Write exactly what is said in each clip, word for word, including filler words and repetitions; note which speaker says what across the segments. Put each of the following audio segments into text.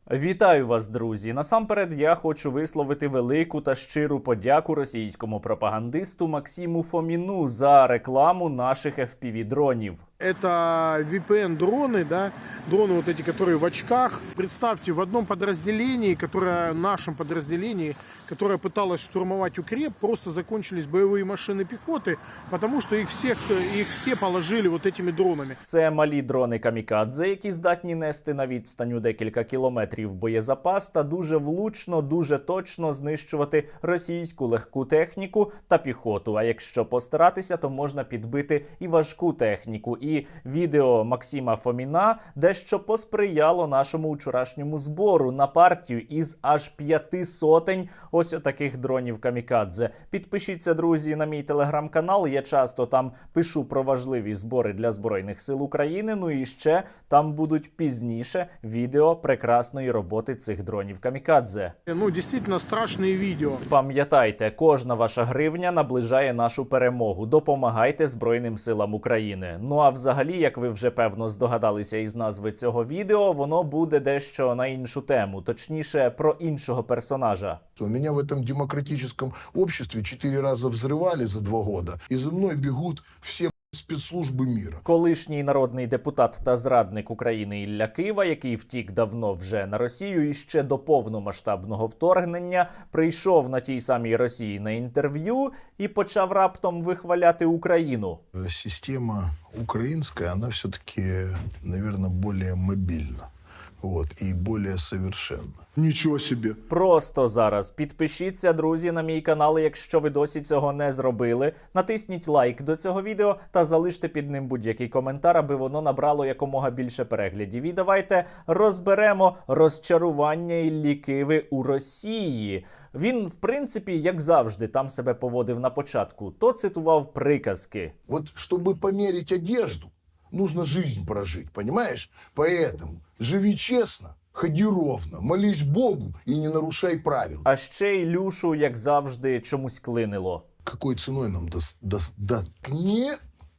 Speaker 1: Вітаю вас, друзі! Насамперед я хочу висловити велику та щиру подяку російському пропагандисту Максиму Фоміну за рекламу наших еф пі ві-дронів.
Speaker 2: Это ви пі эн-дроны, да, дроны вот эти, которые в очках. Представьте, в одном подразделении, которое, нашем подразделении, которое пыталось штурмовать укреп, просто закончились боевые машины пехоты, потому что их всех, их все положили вот этими дронами.
Speaker 1: Це малі дрони камікадзе, які здатні нести на відстань у декілька кілометрів боєзапас та дуже влучно, дуже точно знищувати російську легку техніку та піхоту. А якщо постаратися, то можна підбити і важку техніку. І відео Максима Фоміна дещо посприяло нашому вчорашньому збору на партію із аж п'яти сотень ось отаких дронів камікадзе. Підпишіться, друзі, на мій телеграм-канал. Я часто там пишу про важливі збори для Збройних сил України. Ну і ще там будуть пізніше відео прекрасної роботи цих дронів камікадзе.
Speaker 2: Ну, дійсно страшні відео.
Speaker 1: Пам'ятайте, кожна ваша гривня наближає нашу перемогу. Допомагайте Збройним силам України. Ну а взагалі, як ви вже певно здогадалися із назви цього відео, воно буде дещо на іншу тему, точніше про іншого персонажа.
Speaker 3: Меня в этом демократическом обществе четыре раза взрывали за два года, и за мной бегут все спецслужби міра.
Speaker 1: Колишній народний депутат та зрадник України Ілля Кива, який втік давно вже на Росію і ще до повномасштабного вторгнення, прийшов на тій самій Росії на інтерв'ю і почав раптом вихваляти Україну.
Speaker 3: Система українська, вона все-таки, наверное, більш мобільна. Вот, і більш совершенна. Нічого собі.
Speaker 1: Просто зараз підпишіться, друзі, на мій канал, якщо ви досі цього не зробили. Натисніть лайк до цього відео та залиште під ним будь-який коментар, аби воно набрало якомога більше переглядів. І давайте розберемо розчарування Іллі Киви у Росії. Він, в принципі, як завжди, там себе поводив на початку. То цитував приказки.
Speaker 3: От, щоб поміряти одежду, нужно жизнь прожить, понимаешь? Поэтому живи честно, ходи ровно, молись Богу и не нарушай правил.
Speaker 1: А ще Ілюшу, як завжди, чомусь клинило.
Speaker 3: Какой ценой нам дос, дос, да, не...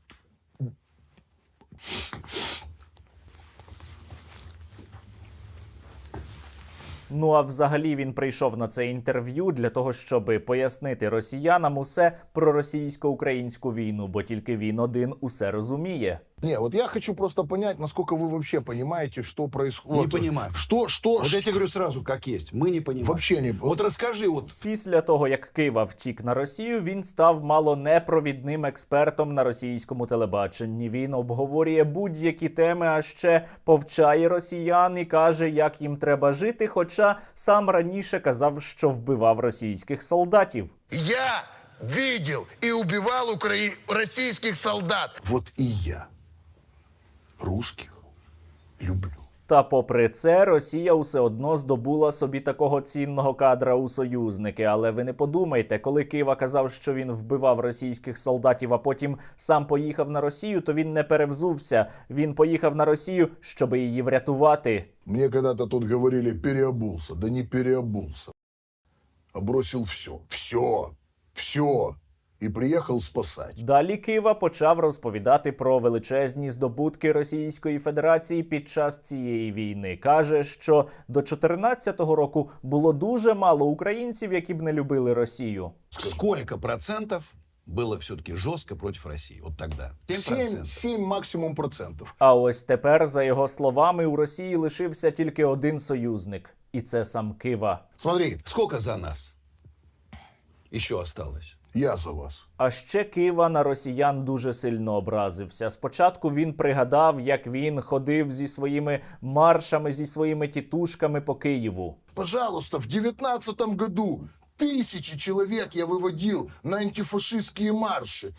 Speaker 1: Ну а взагалі він прийшов на це інтерв'ю для того, щоб пояснити росіянам усе про російсько-українську війну, бо тільки він один усе розуміє.
Speaker 3: Не, вот я хочу просто понять, насколько вы вообще понимаете, что происходит.
Speaker 4: Не понимаю.
Speaker 3: Что, что,
Speaker 4: Вот
Speaker 3: что...
Speaker 4: я тебе говорю сразу, как есть. Мы не понимаем.
Speaker 3: Вообще не...
Speaker 4: Вот расскажи, вот
Speaker 1: Після того, як Кива втік на Росію, він став мало не провідним експертом на російському телебаченні. Він обговорює будь-які теми, а ще повчає росіян і каже, як їм треба жити, хоча сам раніше казав, що вбивав російських солдатів.
Speaker 3: Я видел и убивал укра... российских солдат. Вот и я русских люблю.
Speaker 1: Та попри це, Росія усе одно здобула собі такого цінного кадра у союзники. Але ви не подумайте, коли Кива казав, що він вбивав російських солдатів, а потім сам поїхав на Росію, то він не перевзувся. Він поїхав на Росію, щоб її врятувати.
Speaker 3: Мне когда-то тут говорили переобулся. Да не переобулся. А бросил все. Все. Все. І приїхав спасати.
Speaker 1: Далі Кива почав розповідати про величезні здобутки Російської Федерації під час цієї війни. Каже, що до чотирнадцятого року було дуже мало українців, які б не любили Росію.
Speaker 4: сколько процентов было все-таки жестко против России? Вот тогда.
Speaker 3: Сім, сім максимум процентів.
Speaker 1: А ось тепер, за його словами, у Росії лишився тільки один союзник. І це сам Кива.
Speaker 3: Смотри,
Speaker 4: Сколько за нас еще осталось?
Speaker 3: я за вас.
Speaker 1: А ще Кива на росіян дуже сильно образився. Спочатку він пригадав, як він ходив зі своїми маршами, зі своїми тітушками по Києву.
Speaker 3: Пожалуйста, в девятнадцатом году тысячи человек я выводил на антифашистские марши.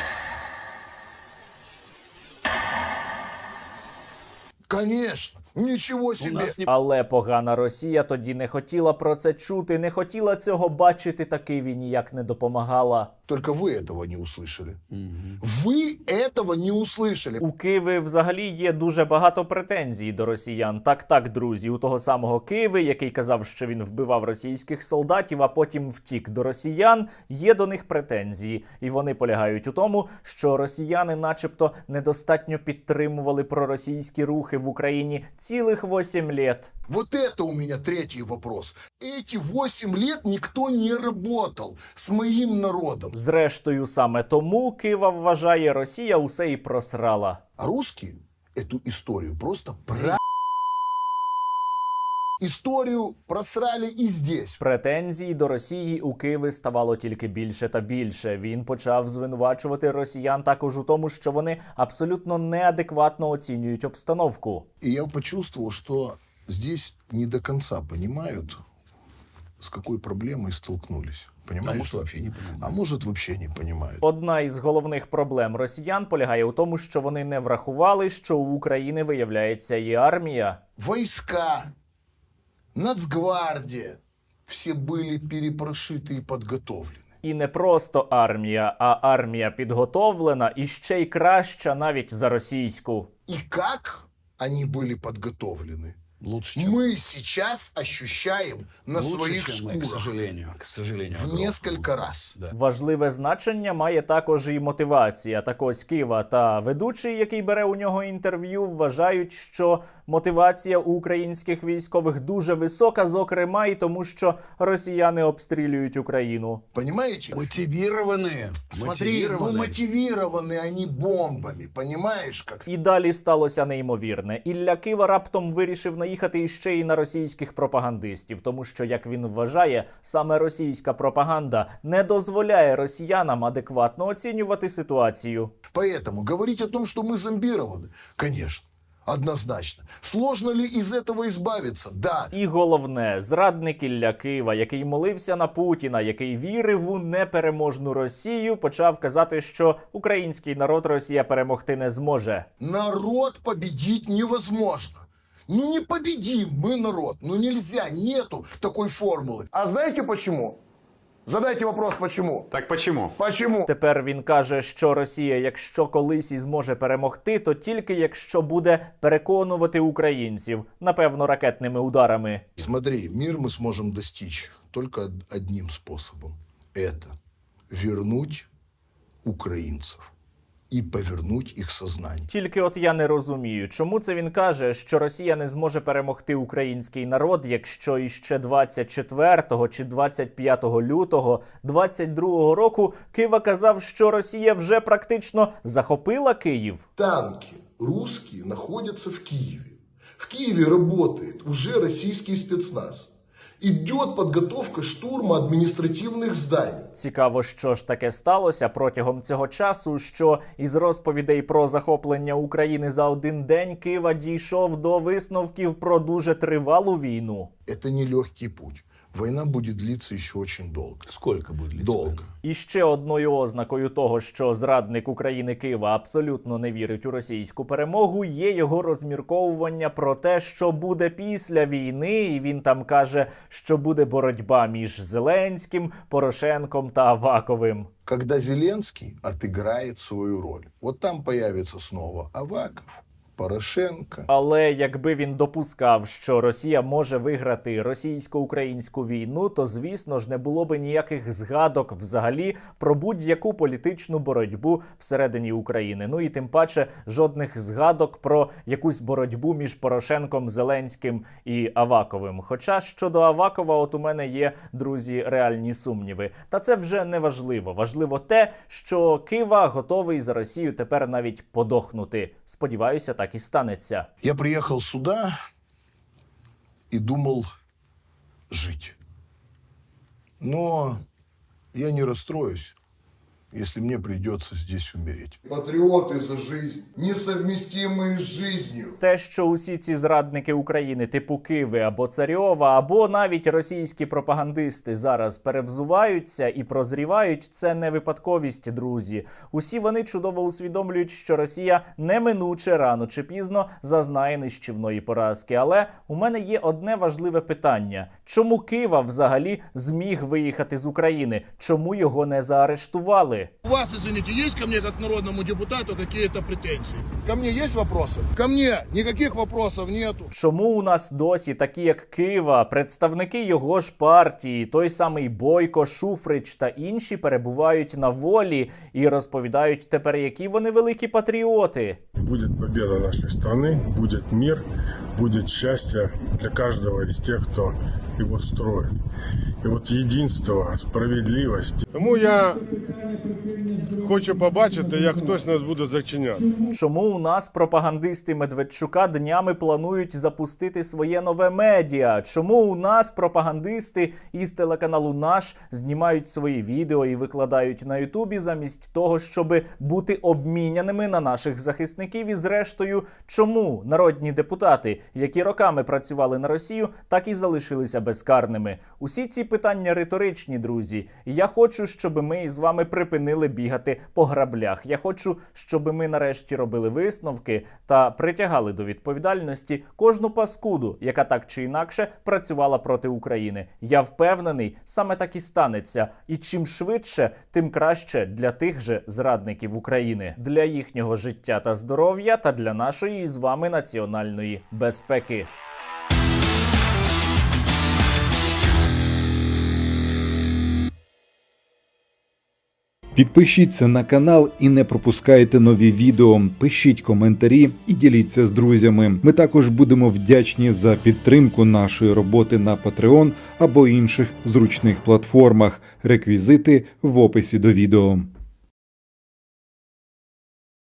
Speaker 3: Конечно, ничего себе.
Speaker 4: У нас не...
Speaker 1: Але погана Росія тоді не хотіла про це чути, не хотіла цього бачити, та Києві ніяк не допомагала.
Speaker 3: Только вы этого не услышали. Вы этого не услышали.
Speaker 1: У Киви взагалі є дуже багато претензій до росіян. Так-так, друзі, у того самого Киви, який казав, що він вбивав російських солдатів, а потім втік до росіян, є до них претензії. І вони полягають у тому, що росіяни начебто недостатньо підтримували проросійські рухи в Україні цілих вісім літ.
Speaker 3: Вот это у меня третий вопрос. Эти восемь лет никто не работал с моим народом.
Speaker 1: Зрештою, саме тому Кива вважає, Росія усе і просрала.
Speaker 3: А русские эту историю просто про... Историю просрали и здесь.
Speaker 1: Претензій до Росії у Києві ставало тільки більше та більше. Він почав звинувачувати росіян також у тому, що вони абсолютно неадекватно оцінюють обстановку.
Speaker 3: И я почувствовал, что здесь не до конца понимают, с какой проблемой столкнулись. Понимаешь?
Speaker 4: А может, вообще не понимаю.
Speaker 3: А может, вообще не понимают.
Speaker 1: Одна із головних проблем росіян полягає у тому, що вони не врахували, що у України, виявляється, є армія.
Speaker 3: Войска, Нацгвардия, все были перепрошиты и подготовлены.
Speaker 1: І не просто армія, а армія підготовлена і ще й краща навіть за російську.
Speaker 3: И как они были подготовлены,
Speaker 4: Лучше, чем...
Speaker 3: мы сейчас ощущаем на
Speaker 4: Лучше,
Speaker 3: своих
Speaker 4: чем мы, к
Speaker 3: шкурах
Speaker 4: сожалению. К сожалению.
Speaker 3: в
Speaker 4: огромному.
Speaker 3: несколько раз.
Speaker 4: Да.
Speaker 1: Важливе значення має також і мотивація. Так ось Кива та ведучий, який бере у нього інтерв'ю, вважають, що мотивація у українських військових дуже висока, зокрема і тому, що росіяни обстрілюють Україну.
Speaker 3: Понимаете?
Speaker 4: Мотивированные.
Speaker 3: Смотри, ну
Speaker 4: мотивированные.
Speaker 3: мотивированы они бомбами, понимаешь как?
Speaker 1: І далі сталося неймовірне. Ілля Кива раптом вирішив наїхати іще й на російських пропагандистів, тому що, як він вважає, саме російська пропаганда не дозволяє росіянам адекватно оцінювати ситуацію.
Speaker 3: Поэтому говорить о том, что мы зомбированы, конечно, однозначно. Сложно ли из этого избавиться? Да.
Speaker 1: І головне, зрадник Ілля Кива, який молився на Путіна, який вірив у непереможну Росію, почав казати, що український народ Росія перемогти не зможе.
Speaker 3: Народ победить невозможно. Ну не победим мы народ, ну нельзя, нету такой формулы.
Speaker 5: А знаете почему? Задайте вопрос, почему?
Speaker 6: Так почему?
Speaker 5: Почему?
Speaker 1: Тепер він каже, що Росія, якщо колись і зможе перемогти, то тільки якщо буде переконувати українців, напевно, ракетними ударами.
Speaker 3: Смотри, мир мы сможем достичь только од- одним способом. Это вернуть украинцев и повернуть их сознание.
Speaker 1: Тільки от я не розумію, чому це він каже, що Росія не зможе перемогти український народ, якщо іще двадцять четвертого чи двадцять п'ятого лютого двадцять другого року Кива казав, що Росія вже практично захопила Київ.
Speaker 3: Танки русские находятся в Киеве. В Киеве работает уже российский спецназ. Идет подготовка штурма административных зданий.
Speaker 1: Цікаво, що ж таке сталося протягом цього часу, що із розповідей про захоплення України за один день Кива дійшов до висновків про дуже тривалу війну.
Speaker 3: Это не легкий путь. Война будет длиться еще очень долго.
Speaker 4: Сколько будет длиться?
Speaker 3: Долго.
Speaker 4: война?
Speaker 1: І ще одною ознакою того, що зрадник України Кива абсолютно не вірить у російську перемогу, є його розмірковування про те, що буде після війни, і він там каже, що буде боротьба між Зеленським, Порошенком та Аваковим.
Speaker 3: Когда Зеленский отыграет свою роль. Вот там появится снова Аваков, Порошенко.
Speaker 1: Але якби він допускав, що Росія може виграти російсько-українську війну, то, звісно ж, не було би ніяких згадок взагалі про будь-яку політичну боротьбу всередині України. Ну і тим паче жодних згадок про якусь боротьбу між Порошенком, Зеленським і Аваковим. Хоча щодо Авакова, от у мене є, друзі, реальні сумніви. Та це вже не важливо. Важливо те, що Кива готовий за Росію тепер навіть подохнути. Сподіваюся, так і станеться.
Speaker 3: Я приехал сюда и думал жить. Но я не расстроюсь, если мне придется здесь умереть. Патриоты за жизнь, несовместимые с жизнью.
Speaker 1: Те, що усі ці зрадники України типу Киви або Царьова, або навіть російські пропагандисти зараз перевзуваються і прозрівають, це не випадковість, друзі. Усі вони чудово усвідомлюють, що Росія неминуче рано чи пізно зазнає нищівної поразки. Але у мене є одне важливе питання. Чому Кива взагалі зміг виїхати з України? Чому його не заарештували? сказали.
Speaker 3: У вас, извините, есть ко мне, как народному депутату, какие-то претензии? Ко мне есть вопросы? Ко мне никаких вопросов нету.
Speaker 1: Чому у нас досі такі, як Кива, представники його ж партії, той самий Бойко, Шуфрич та інші перебувають на волі і розповідають тепер, які вони великі патріоти?
Speaker 6: Будет победа нашей страны, будет мир, будет счастье для каждого из тех, кто его строит. И вот единство, справедливость. Тому я хочу побачити, як хтось нас буде зачиняти.
Speaker 1: Чому у нас пропагандисти Медведчука днями планують запустити своє нове медіа? Чому у нас пропагандисти із телеканалу «Наш» знімають свої відео і викладають на Ютубі замість того, щоб бути обміняними на наших захисників? І зрештою, чому народні депутати, які роками працювали на Росію, так і залишилися безкарними? Усі ці питання риторичні, друзі. І я хочу, щоб ми із вами припинили бігати по граблях. Я хочу, щоб ми нарешті робили висновки та притягали до відповідальності кожну паскуду, яка так чи інакше працювала проти України. Я впевнений, саме так і станеться. І чим швидше, тим краще для тих же зрадників України, для їхнього життя та здоров'я та для нашої із вами національної безпеки.
Speaker 7: Підпишіться на канал і не пропускайте нові відео, пишіть коментарі і діліться з друзями. Ми також будемо вдячні за підтримку нашої роботи на Patreon або інших зручних платформах. Реквізити в описі до відео.